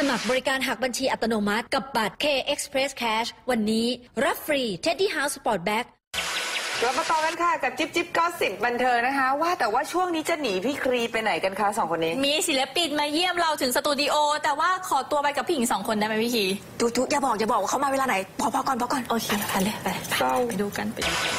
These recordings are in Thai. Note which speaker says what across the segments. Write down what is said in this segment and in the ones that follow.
Speaker 1: มัครบริการหักบัญชีอัตโนมัติกับบัตร K Express Cash วันนี้รับฟรี Teddy House Sport Bag
Speaker 2: เรามาต่อกันค่ะกับจิ๊บจิ๊บก็สิบบันเทิงนะคะว่าแต่ว่าช่วงนี้จะหนีพี่ครีไปไหนกันคะสองคนนี้
Speaker 3: มีศิลปินมาเยี่ยมเราถึงสตูดิโอแต่ว่าขอตัวไปกับพี่หญิง2 คนได้ไหมพี่คี
Speaker 4: ทุอย่าบอกว่าเขามาเวลาไหนพอก่อน
Speaker 3: โอเคไปเลยไปดูกัน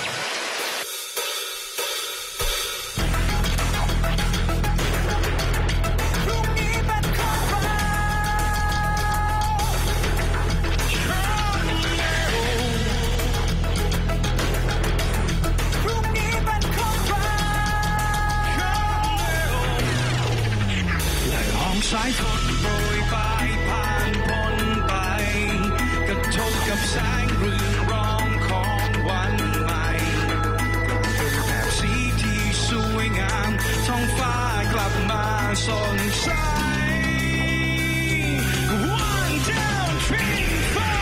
Speaker 5: สายฝนโปรยปลายผ่านพ้นไปกระทบกับแสงเรืองรองของวันใหม่เป็นแบบสีที่สวยงามท้องฟ้ากลับมาสดใส One, two, three, four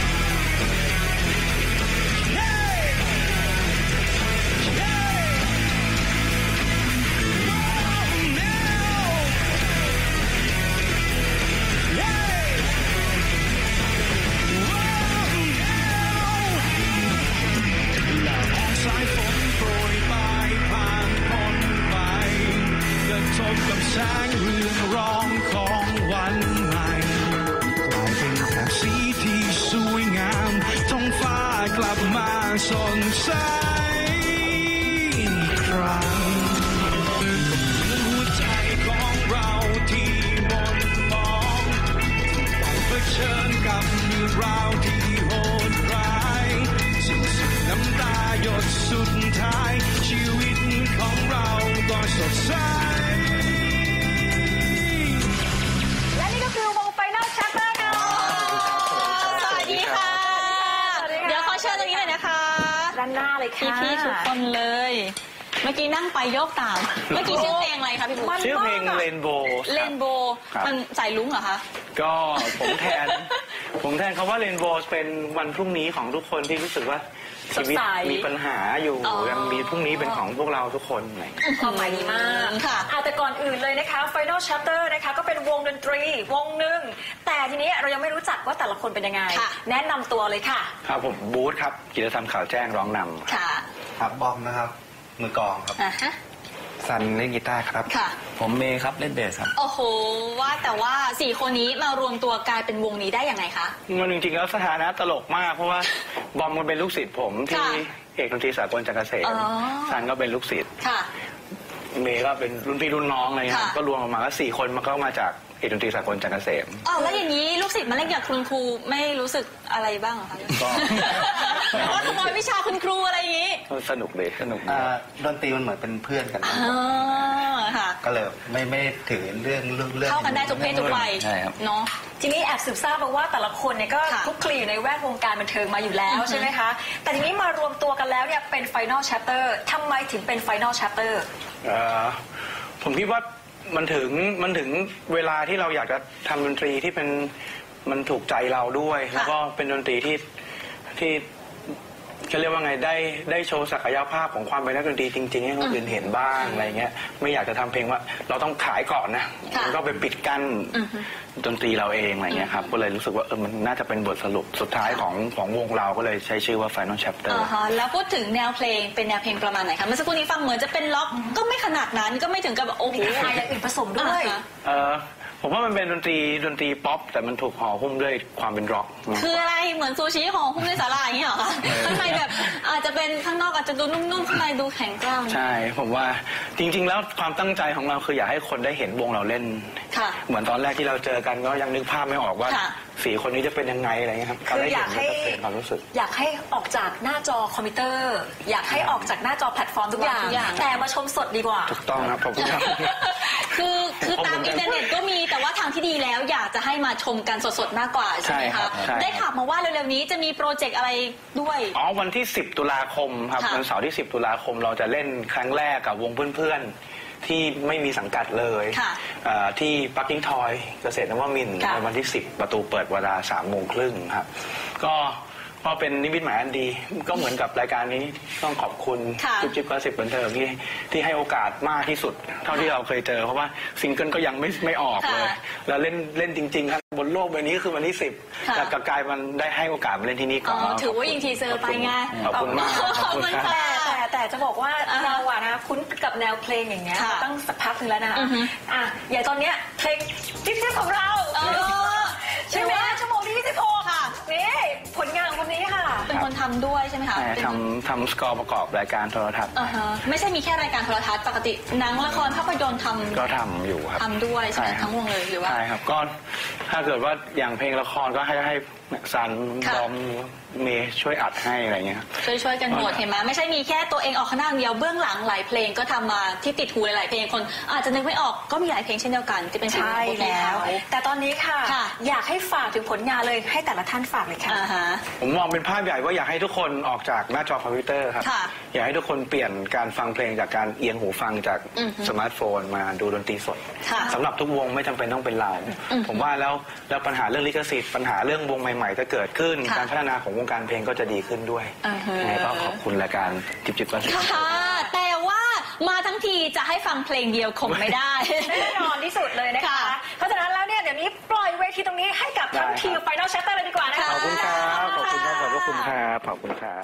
Speaker 5: สายฝนโปรยปลายผ่านพ้นไปกระทบกับแสงเรืองรองของวันใหม่กลายเป็นแบบสีที่สวยงามท้องฟ้ากลับมาสดใสอีกครั้งหัวใจของเราที่หม่นหมองต้องเผชิญกับเรื่องราวที่โหดร้ายน้ำตาหยดสุดท้ายชีวิตของเราก็สดใส
Speaker 3: และนี่ก็คือวง Final Chapter ค่ะสวัสดีค่ะเดี๋ยวขอเชิญตรงนี้เลยนะคะ
Speaker 2: ด้านหน้าเลยค่ะ
Speaker 3: พี่ทุกคนเลยเมื่อกี้นั่งไปโยกตามเมื่อกี้ชื่อเพลงอะไรคะพี่บุ๊ค
Speaker 6: ชื่อเพลงเรนโบว์
Speaker 3: มันสายลุ้งเหรอคะ
Speaker 6: ก็ผมแทนคำว่าเรนโบว์เป็นวันพรุ่งนี้ของทุกคนที่รู้สึกว่าชีวิตมีปัญหาอยู่ยังมีพรุ่งนี้เป็นของพวกเราทุกคน
Speaker 4: ความหมายดีมากค่ะแต่ก่อนอื่นเลยนะคะ Final Chapter นะคะก็เป็นวงดนตรีวงหนึ่งแต่ทีนี้เรายังไม่รู้จักว่าแต่ละคนเป็นยังไงแนะนำตัวเลยค่ะ
Speaker 6: ครับผมบูธครับกิจธรรมข่าวแจ้งร้องนำ
Speaker 3: ค่ะ
Speaker 7: ครับบอมนะครับมือกลองครับซันเล่นกีตาร์ครับ
Speaker 8: ผมเมย์ครับเล่นเบสครับ
Speaker 3: โอ้โหว่าแต่ว่า4 คนนี้มารวมตัวกลายเป็นวงนี้ได้ยังไงคะ
Speaker 6: มันจริงๆแล้วสถานะตลกมากเพราะว่าบอมมันเป็นลูกศิษย์ผมที่เอกดนตรีสากลจักรเกษมซันก็เป็นลูกศิษย์เมย์ก็เป็นรุ่นพี่รุ่นน้องอะไรเงี้ยก็รวมออกมาก็4 คนมันก็มาจากเอกดนตรีสากลจักรเกษม
Speaker 3: แล้วอย่างนี้ลูกศิษย์มาเล่นกับคุณครูไม่รู้สึกอะไรบ้างเหรอคะว่าขโมยวิชาคุณครูอะไรอย่างนี้
Speaker 6: สนุกเลย
Speaker 7: ดนตรีมันเหมือนเป็นเพื่อนกันก็เลยไม่ถือเรื่อง
Speaker 3: เข้ากันได้ทุกเพศทุกวัยเนาะ
Speaker 4: ทีนี้แอบสืบทราบมาว่าแต่ละคนเนี่ยก็คลุกคลีอยู่ในแวดวงการบันเทิงมาอยู่แล้วใช่ไหมคะแต่ทีนี้มารวมตัวกันแล้วเนี่ยเป็น Final Chapter ทำไมถึงเป็น Final Chapter
Speaker 6: ผมคิดว่ามันถึงเวลาที่เราอยากจะทำดนตรีที่มันถูกใจเราด้วยแล้วก็เป็นดนตรีที่จะเรียกว่าไงได้โชว์ศักยภาพของความเป็นนักดนตรีจริงๆให้คนอื่นเห็นบ้างอะไรเงี้ยไม่อยากจะทำเพลงว่าเราต้องขายก่อนนะมันก็ไปปิดกั้นดนตรีเราเองอะไรเงี้ยครับก็เลยรู้สึกว่ามันน่าจะเป็นบทสรุปสุดท้ายของวงเราก็เลยใช้ชื่อว่า Final Chapter
Speaker 3: แล้วพูดถึงแนวเพลงเป็นแนวเพลงประมาณไหนคะเมื่อสักครู่นี้ฟังเหมือนจะเป็นล็อกก็ไม่ขนาดนั้นก็ไม่ถึงกับโอ้โห
Speaker 4: อย่างอื่นผสมด้วย
Speaker 6: ผมว่ามันเป็นดนตรีป๊อปแต่มันถูกห่อหุ้มด้วยความเป็นร็อก
Speaker 3: คืออะไรเหมือนซูชิห่อหุ้มด้วยสาหร่ายอย่างนี้เหรอคะข้างในแบบอาจจะเป็นข้างนอกอาจจะดูนุ่มๆข้างในดูแข็งกร้าว
Speaker 6: ใช่ผมว่าจริงๆแล้วความตั้งใจของเราคืออยากให้คนได้เห็นวงเราเล่นเหมือนตอนแรกที่เราเจอกันก็ยังนึกภาพไม่ออกว่า4 คนนี้จะเป็นยังไงอะไรเงี้ยครับ
Speaker 4: คืออยากให้ออกจากหน้าจอคอมพิวเตอร์อยากให้ออกจากหน้าจอแพลตฟอร์มทุกอย่างแต่มาชมสดดีกว่า
Speaker 6: ถูกต้องครับผม
Speaker 3: คือตามอินเทอร์เน็ตก็มีแต่ว่าทางที่ดีแล้วอยากจะให้มาชมกันสดๆมากกว่าใช่ไหมคะได้ข่าวมาว่าเร็วๆนี้จะมีโปรเจกต์อะไรด้วย
Speaker 6: วันที่10 ตุลาคมครับวันเสาร์ที่10 ตุลาคมเราจะเล่นครั้งแรกกับวงเพื่อนๆที่ไม่มีสังกัดเลยที่ปักกิ้งทอยเกษตรนวมินทร์ในวันที่10ประตูเปิดเวลา 3:30 ครับก็เพราะเป็นนิมิตหมายอันดีก็เหมือนกับรายการนี้ต้องขอบคุณจิ๊บก็10บันเทิงที่ให้โอกาสมากที่สุดเท่าที่เราเคยเจอเพราะว่าซิงเกิลก็ยังไม่ออกเลยแล้วเล่นจริงๆครับบนโลกใบนี้คือวันที่10แต่กลายมันได้ให้โอกาสมาเล่นที่นี่ก่อน
Speaker 3: ถือว่ายิงทีเซอร์ไปไง
Speaker 6: ขอบคุณมากขอบคุณครับ
Speaker 4: แต่จะบอกว่าเราอะนะคุ้นกับแนวเพลงอย่างเงี้ยตั้งสักพักนึงแล้วนะคะอย่างตอนเนี้ยเพลงจิ๊บของเราใช่ไหมชั่วโมงที่26ค่ะนี่ผลงานของคนนี้ค่ะ
Speaker 3: เป็นคนทำด้วยใช่ไหมคะ
Speaker 6: ทำสกอร์ประกอบรายการโทรทัศน์
Speaker 3: ไม่ใช่มีแค่รายการโทรทัศน์ปกติหนังละครภาพยนตร์
Speaker 6: ก็ทำอยู่ครับ
Speaker 3: ทำด้วยใช่ไหมทั้งวงเลยหรือว่า
Speaker 6: ใช่ครับก็ถ้าเกิดว่าอย่างเพลงละครก็ให้ซันดอมเมย์ช่วยอัดให้อะไรเงี้ย
Speaker 3: ช่วยกันหมดเห็นไหมไม่ใช่มีแค่ตัวเองออกข้างหน้าเดียวเบื้องหลังหลายเพลงก็ทำมาที่ติดหูหลายเพลงคนอาจจะนึกไม่ออกก็มีหลายเพลงเช่นเดียวกันที่เป็นเพลงของพวก
Speaker 4: แล้วแต่ตอนนี้ค่ะอยากให้ฝากถึงผลงานเลยให้แต่ละท่านฝากเลยค่ะ
Speaker 6: ผมมองเป็นภาพใหญ่ว่าอยากให้ทุกคนออกจากหน้าจอคอมพิวเตอร์ครับอยากให้ทุกคนเปลี่ยนการฟังเพลงจากการเอียงหูฟังจากสมาร์ทโฟนมาดูดนตรีสดสำหรับทุกวงไม่จำเป็นต้องเป็นเราผมว่าแล้วปัญหาเรื่องลิขสิทธิ์ปัญหาเรื่องวงใหม่ๆจะเกิดขึ้นการพัฒนาของวงการเพลงก็จะดีขึ้นด้วยยังไงก็ขอบคุณรายการจิ๊บก็
Speaker 3: ค่ะแต่ว่ามาทั้งทีจะให้ฟังเพลงเดียวคงไม่ได้
Speaker 4: แน่นอนที่สุดเลยนะคะเพราะฉะนั้นแล้วเนี่ยเดี๋ยวนี้ปล่อยเวทีตรงนี้ให้กับทั้งทีม Final Chapter เลยดีกว่านะคะ
Speaker 6: ขอบคุณครับขอบคุณครับขอบคุณครับขอบคุณครับ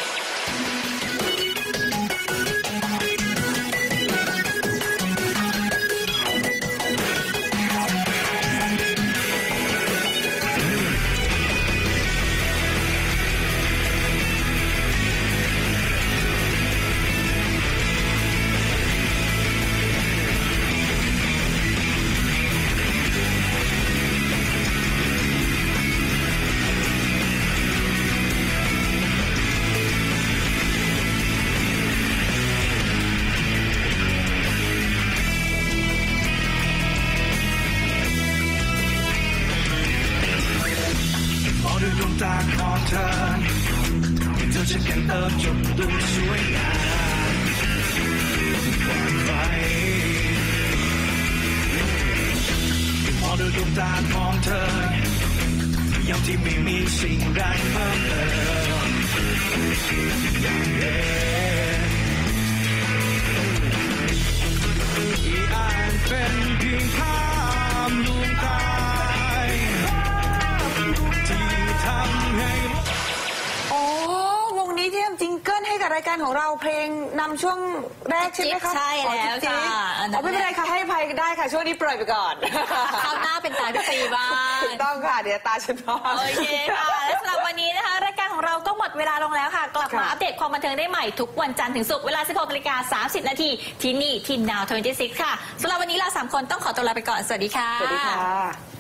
Speaker 6: ด้วยดวงตาของเธอเธอจะกันเติมจนดูสวยงามกว่าใครมองด้วยดวงตาของเธอยังที่ไม่มีสิ่งใดเพิ่มเติมอย่างเดิมที่อ่านเป็นเพียงภาพลวงตา
Speaker 2: วงนี้ที่ทำจิงเกิลให้กับรายการของเราเพลงนำช่วงแรกใช่ไหมคะ
Speaker 3: ใช่แล้วค่ะ
Speaker 2: ไม่เป็นไรค่ะให้อภัยได้ค่ะช่วงนี้ปล่อยไปก่อน
Speaker 3: คราวหน้าเป็นตาพี่ปีบ้าง
Speaker 2: ถูกต้องค่ะเดี๋ยวตาฉันพอ
Speaker 3: โอเคค่ะและสำหรับวันนี้นะคะรายการของเราก็หมดเวลาลงแล้วค่ะกลับมาอัปเดตความบันเทิงได้ใหม่ทุกวันจันทร์ถึงศุกร์เวลา 16:30 น.ที่นี่ที่ Now 26 ค่ะสำหรับวันนี้เรา3คนต้องขอตัวลาไปก่อนสวัสดีค่ะ
Speaker 2: สวัสดีค่ะ